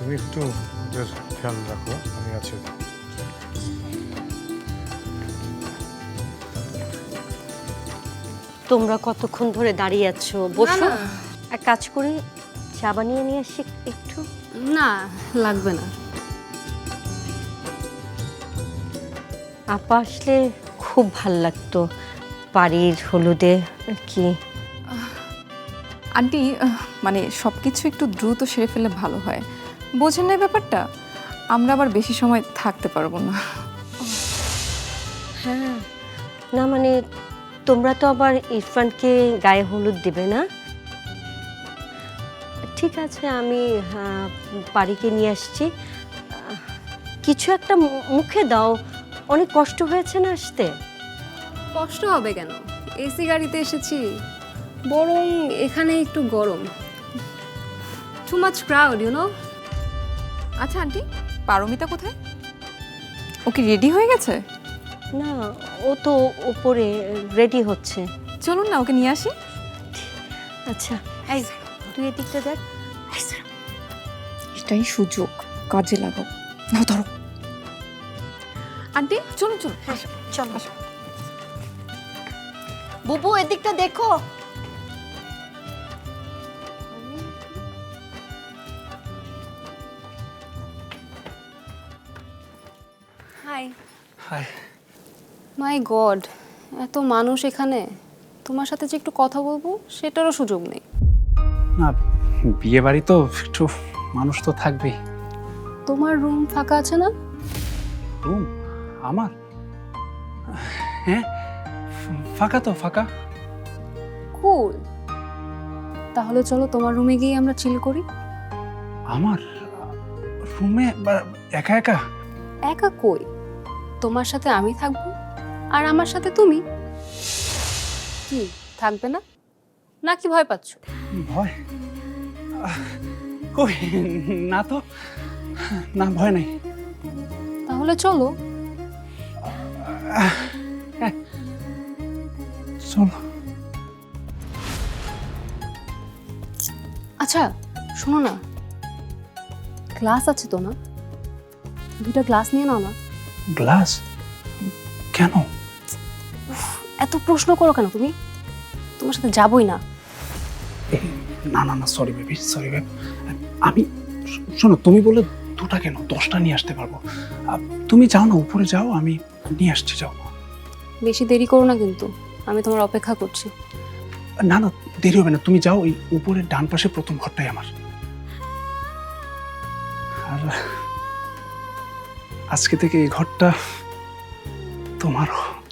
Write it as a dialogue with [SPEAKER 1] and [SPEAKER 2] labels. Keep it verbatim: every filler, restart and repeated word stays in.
[SPEAKER 1] তুমি একটু ওদের খেয়াল রাখো, আমি আছি।
[SPEAKER 2] তোমরা কতক্ষণ ধরে দাঁড়িয়ে আছো? বসো। এক কাজ করি, চা বানিয়ে নিয়ে আসি একটু।
[SPEAKER 3] না, লাগবে না।
[SPEAKER 2] আপা আসলে খুব ভাল লাগতো বাড়ির হলুদে আর কি।
[SPEAKER 4] আন্টি মানে সব কিছু একটু দ্রুত সেরে ফেললে ভালো হয়, বোঝেন না ব্যাপারটা? আমরা আবার বেশি সময় থাকতে পারবো না।
[SPEAKER 2] হ্যাঁ, না মানে তোমরা তো আবার ইরফানকে গায়ে হলুদ দেবে না? ঠিক আছে, আমি বাড়িকে নিয়ে আসছি। কিছু একটা মুখে দাও, অনেক কষ্ট হয়েছে না আসতে।
[SPEAKER 3] কষ্ট হবে কেন? এসি গাড়িতে এসেছি, বরং এখানে একটু গরম। Too much crowd, you know.
[SPEAKER 4] আচ্ছা আন্টি, পারমিতা কোথায়? ও কি রেডি হয়ে গেছে?
[SPEAKER 2] না, ও তো উপরে রেডি হচ্ছে।
[SPEAKER 4] চলুন না ওকে নিয়ে আসি।
[SPEAKER 2] আচ্ছা, এই তুই এদিকটা দেখ।
[SPEAKER 4] এটাই সুযোগ, কাজে লাগাও। নাও ধরো। আন্টি চলুন চলুন।
[SPEAKER 2] হ্যাঁ, চলো। বুবু এদিকটা দেখো।
[SPEAKER 3] হাই।
[SPEAKER 1] হাই।
[SPEAKER 3] মাই গড, এত মানুষ এখানে। তোমার সাথে যে একটু কথা বলবো সেটারও সুযোগ নেই।
[SPEAKER 5] না, বিয়ে বাড়ি তো একটু মানুষ তো থাকবেই।
[SPEAKER 3] তোমার রুম ফাঁকা আছে না?
[SPEAKER 5] রুম আমার? হ্যাঁ, ফাঁকা তো, ফাঁকা।
[SPEAKER 3] কুল, তাহলে চলো তোমার রুমে গিয়ে আমরা চিল করি।
[SPEAKER 5] আমার রুমে একা একা?
[SPEAKER 3] একা কই, তোমার সাথে আমি থাকবো আর আমার সাথে তুমি। কি থাকবে না নাকি ভয় পাচ্ছ?
[SPEAKER 5] ভয়? কই না তো, না ভয় নাই।
[SPEAKER 3] তাহলে চলো।
[SPEAKER 5] চলো।
[SPEAKER 3] আচ্ছা শোনো না, গ্লাস আছে তো না? দুটা গ্লাস নিয়ে নাও না।
[SPEAKER 5] গ্লাস? কেন?
[SPEAKER 3] এত প্রশ্ন করো কেন তুমি? তোমার সাথে যাবই না।
[SPEAKER 5] না না না, সরি বেবি, সরি বেব। আমি শোনো, তুমি বলে দুটা কেন, দশটা নিয়ে আসতে পারবো। তুমি যাও না, উপরে যাও, আমি নিয়ে আসছি, যাও।
[SPEAKER 3] বেশি দেরি করো না কিন্তু, আমি তোমার অপেক্ষা করছি।
[SPEAKER 5] না না, দেরি হবে না, তুমি যাও। ওই উপরের ডান পাশে প্রথম ঘরটাই আমার। আর আজকে থেকে এই ঘরটা তোমারও।